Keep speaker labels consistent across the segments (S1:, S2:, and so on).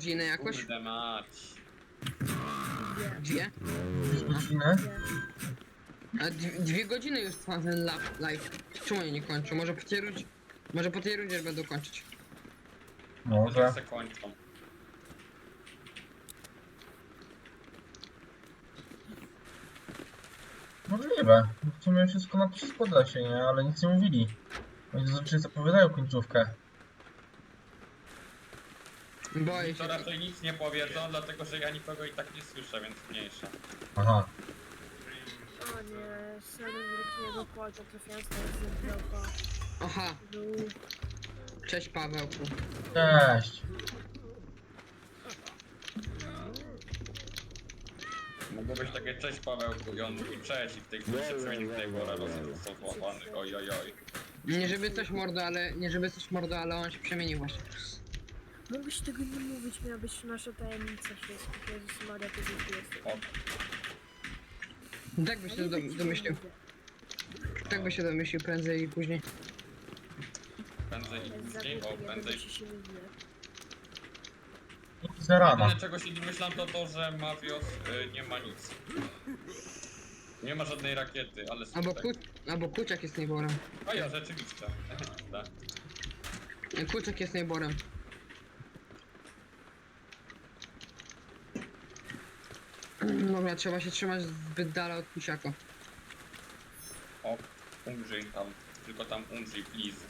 S1: godzinę jakoś?
S2: Kurde mać.
S1: Dwie?
S3: Godzinę?
S1: A 2 godziny już trwa ten live. Czemu oni nie kończą? Może po tej rundzie będą kończyć.
S3: Może.
S2: Może se kończą.
S3: Możliwe. W sumie wszystko na to się składa się, nie? Ale nic nie mówili. Oni zazwyczaj zapowiadają końcówkę.
S1: Boję
S2: Mi
S1: się.
S2: to raczej nic nie powiedzą, dlatego że ja nikogo i tak nie słyszę, więc mniejsza.
S3: Aha.
S4: O nie, szedłem z wielkiego płacza, trafiając na zdrowa.
S1: Aha, cześć Pawełku.
S3: Cześć.
S2: Mogło być takie cześć Pawełku i on mówi cześć i w tej chwili się przemienił w tej pora został złapany. Oj oj oj.
S1: Nie żeby coś mordo, ale on się przemienił właśnie.
S4: Mógłbyś tego nie mówić, miała być nasza tajemnica wszystkich. Jezus Maria, ty gdzie jesteś.
S2: O,
S1: Tak by się domyślił. Tak by się domyślił prędzej i później.
S2: prędzej i później, o prędzej.
S3: Za rana.
S2: Jedyne czego się domyślam to to, że Mavios nie ma nic. Nie ma żadnej rakiety, ale
S1: Albo Kuciak jest najborem.
S2: A ja rzeczywiście. Tak.
S1: Kuciak jest najborem. Dobra, trzeba się trzymać zbyt dala od Kuciaka.
S2: O, umrzyj tam. Tylko tam umrzyj, please.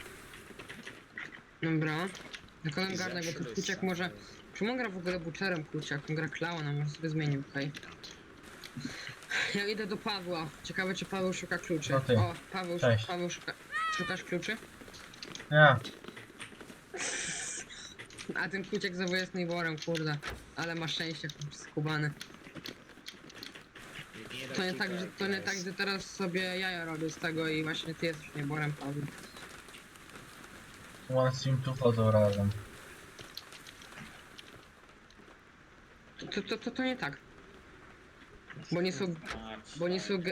S1: Dobra. Tylko nam garnek, bo ten Kuciak może... Czemu on gra w ogóle Butcherem Kuciak? On gra Clownem, może sobie zmienił, okej. Ja idę do Pawła. Ciekawe czy Paweł szuka kluczy.
S3: No ty.
S1: O, Paweł
S3: Cześć.
S1: szuka... Szukasz kluczy?
S3: Ja.
S1: A ten Kuciak znowu jest najborem, kurde. Ale ma szczęście, skubany. To nie tak, że teraz sobie jaja robię z tego i właśnie ty jesteś nieborem, Paweł.
S3: One Sim tu chodzą razem.
S1: To nie tak. Bo nie są... Bo nie są...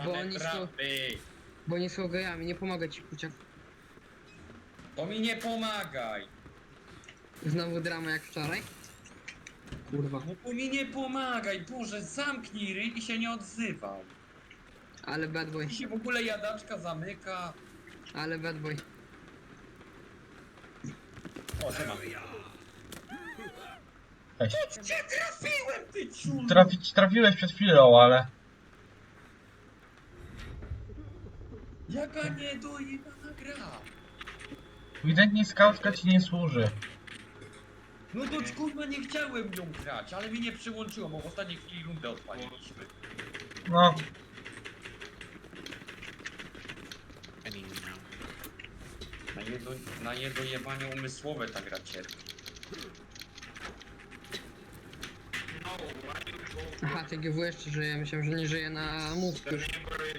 S1: Bo nie są gejami, nie pomogę ci, Kuciak.
S2: To mi nie pomagaj!
S1: Znowu drama jak wczoraj? Kurwa.
S2: No to mi nie pomagaj, Boże, zamknij ryj i się nie odzywaj.
S1: Ale bad boy.
S2: I się w ogóle jadaczka zamyka.
S1: Ale bad boy.
S2: O, siema.
S3: Cześć.
S2: Cię trafiłem, ty ciul!
S3: Trafiłeś przed chwilą, ale...
S2: Jaka niedojebana gra!
S3: Ewidentnie skautka ci nie służy.
S2: No to kurwa nie chciałem nią grać, ale mi nie przyłączyło, bo w ostatniej chwili rundę odpaliliśmy.
S3: No.
S2: Na niedojebanie umysłowe ta gra cierpi.
S1: Aha, TGW jeszcze żyje, myślałem, że nie żyje na mózg już.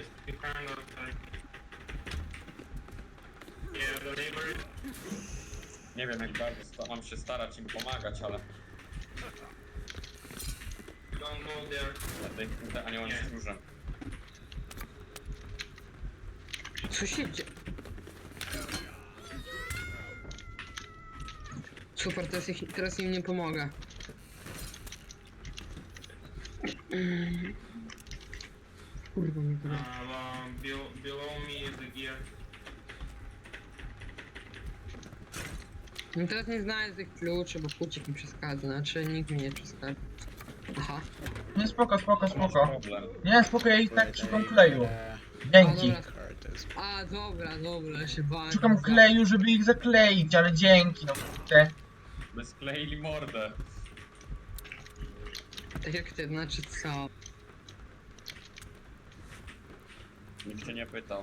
S2: Nie wiem jak bardzo mam się starać im pomagać, ale... Będę aniołem stróżem.
S1: Co się dzieje? Super, teraz im nie pomogę. Kurwa mnie to.
S5: Below me is the gear.
S1: No teraz nie znajdę tych kluczy, bo Kuciak mi przeszkadza, znaczy nikt mi nie przeszkadza. Aha.
S3: Nie, spoko.
S2: Masz problem.
S3: Nie, spoko, ja i tak szukam kleju.
S1: A
S3: Dzięki.
S1: dobra, ja się bałem.
S3: Szukam kleju, żeby ich zakleić, ale dzięki, no kurde.
S2: By skleili mordę.
S1: Tak jak ty, znaczy co?
S2: Nikt cię nie pytał.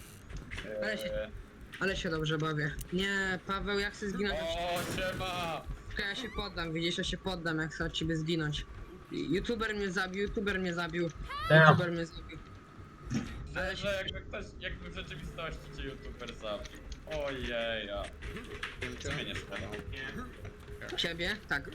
S1: Ale się dobrze bawię. Nie, Paweł, jak chcę zginąć?
S2: O, siema!
S1: Ja się poddam, widzisz, ja się poddam, jak chcę od ciebie zginąć. YouTuber mnie zabił.
S3: Tak.
S1: YouTuber mnie zabił.
S2: Że jakby w rzeczywistości cię youtuber zabił. Ojeja. Co mnie nie szkoda?
S1: Ciebie? Tak.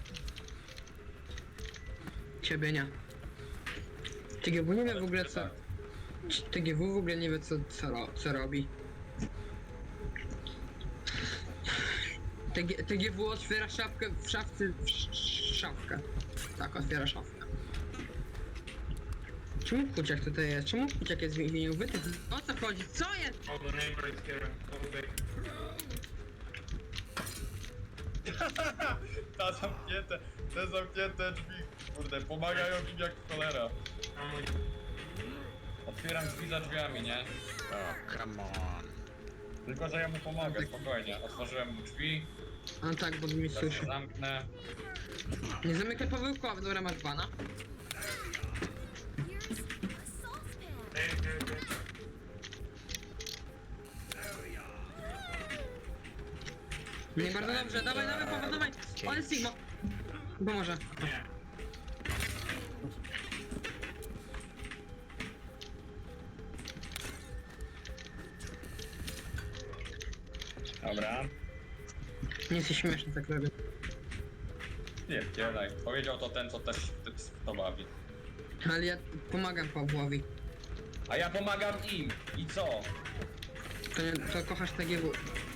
S1: Ciebie nie. TGW nie wie w ogóle co... TGW w ogóle nie wie co robi. TGW otwiera szafkę w szafce. Szafkę. Tak, otwiera szafkę. Czemu Kuciak tutaj jest? Czemu Kuciak jest w więzieniu? O co chodzi? Co jest?
S5: All the neighbors here. All big.
S2: Te zamknięte drzwi, kurde, pomagają im jak cholera.
S5: I'm with
S2: Otwieram drzwi za drzwiami, nie?
S6: Oh, come on.
S2: Tylko, że ja mu pomogę, spokojnie. Otworzyłem mu drzwi,
S1: A no tak, bo mnie
S2: teraz
S1: słyszy.
S2: je zamknę.
S1: Nie zamykaj Pawełkowa, dobra, masz bana. Nie, bardzo dobrze, dawaj, Paweł, dawaj! Ale Sigma! Pomoże.
S2: Dobra.
S1: Nie jesteś śmieszny, tak robię.
S2: Nie, daj. Powiedział to ten, co też to bawi.
S1: Ale ja pomagam Pawłowi.
S2: A ja pomagam im. I co?
S1: To kochasz TGW.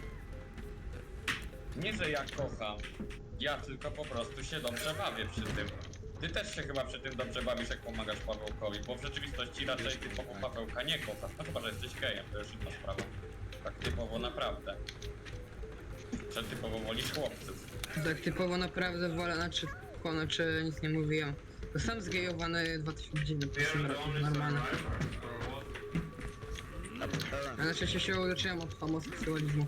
S2: Nie, że ja kocham. Ja tylko po prostu się dobrze bawię przy tym. Ty też się chyba przy tym dobrze bawisz, jak pomagasz Pawełkowi, bo w rzeczywistości raczej typowo Pawełka nie kochasz. No chyba, że jesteś gejem, to już inna sprawa. Tak typowo naprawdę. Że typowo wolisz chłopców.
S1: Tak typowo naprawdę wolę, znaczy nic nie mówiłem. To sam zgejowany 2009
S5: They're the only
S1: normalne.
S5: survivors or what?
S1: A na szczęście się uleczyłem od homoseksualizmu.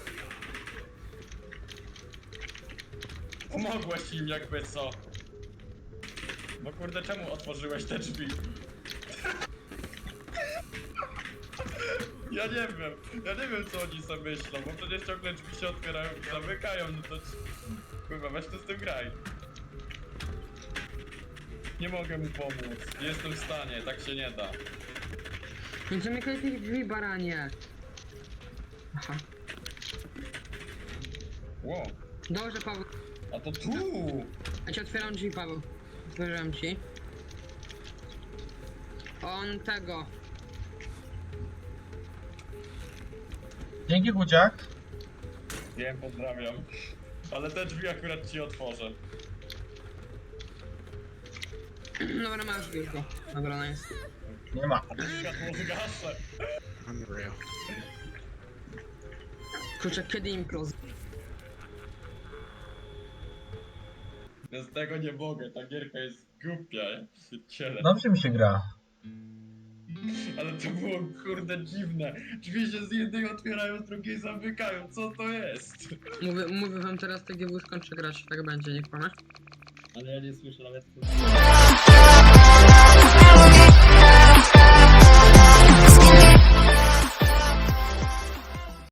S2: Pomogłeś im jakby co? No kurde, czemu otworzyłeś te drzwi? Ja nie wiem co oni sobie myślą, bo przecież ciągle drzwi się otwierają i zamykają, no to... Kurwa, weź to z tym graj. Nie mogę mu pomóc, nie jestem w stanie, tak się nie da.
S1: Nie zamykaj tych drzwi, baranie! Aha.
S2: Ło,
S1: Dobrze, Paweł.
S2: a to tu!
S1: Ja ci otwieram drzwi, Paweł. Otworzyłem ci. On tego.
S3: Dzięki Kuciak.
S2: Wiem, pozdrawiam. Ale te drzwi akurat ci otworzę.
S1: Dobra, masz już go. Dobra, nice.
S3: Nie ma.
S2: Światło zgaszę.
S6: Unreal.
S1: Kurczę, kiedy im close?
S2: Ja z tego nie mogę, ta gierka jest głupia, ja się cielę.
S3: Dobrze mi się gra.
S2: Ale to było kurde dziwne. Drzwi się z jednej otwierają, z drugiej zamykają. Co to jest?
S1: Mówię wam teraz, TGW skończy grać, tak będzie, nie kłamę.
S2: Ale ja nie słyszę nawet co.